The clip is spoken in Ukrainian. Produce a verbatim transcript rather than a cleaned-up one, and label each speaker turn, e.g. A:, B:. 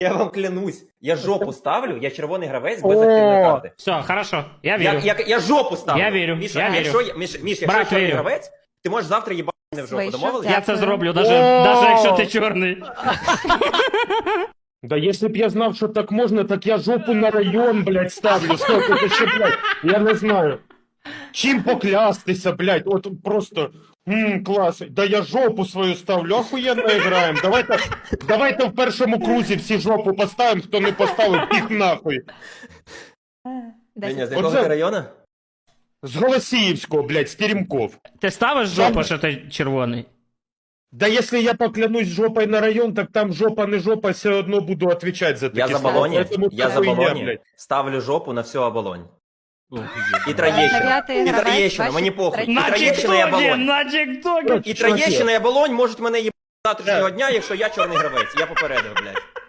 A: Я вам клянусь, я жопу ставлю, я червоний гравець без активної карти.
B: Все, хорошо, я
A: Я,
B: вірю.
A: я, я жопу ставлю.
B: Я вірю,
A: Міша,
B: я
A: а
B: вірю.
A: якщо я, Міш, Міш, якщо
B: Брат,
A: я чорний
B: вірю.
A: гравець, ти можеш завтра їбати мене в жопу,
C: Вийшов,
A: домовились?
C: так.
B: Я це
C: Дякую.
B: зроблю, даже, даже якщо ти чорний.
D: Да если б я знав, що так можна, так я жопу на район, блядь, ставлю. Стоп, это ще, блядь, я не знаю. Чим поклястися, блядь, от просто, ммм, клас. Да я жопу свою ставлю, охуєнно граємо. Давайте, давайте в першому крузі всі жопу поставимо, хто не поставив, піх нахуй.
A: Деня, з
C: Десять.
A: якого
D: Оце-
A: ти району?
D: З Голосіївського, блядь, з Теремков.
B: Ти ставиш жопу, що ти червоний?
D: Да если я поклянусь жопой на район, так там жопа не жопа, все одно буду отвечать за такі
A: Я за
D: слова.
A: балоні,
D: Поэтому
A: я за
D: хуйня,
A: балоні
D: блядь.
A: ставлю жопу на всю оболонь. І
C: Дев'ятий
A: Троєщина, і
C: гравець,
A: Троєщина,
C: ваші
A: мені похуй. І
C: третій.
B: На
A: Троєщина, і
B: тіктокі,
A: оболонь.
B: на тіктокі.
A: І Троєщина, і оболонь можуть мене їбати завтрашнього дня, якщо я чорний гравець. Я попередив, блядь.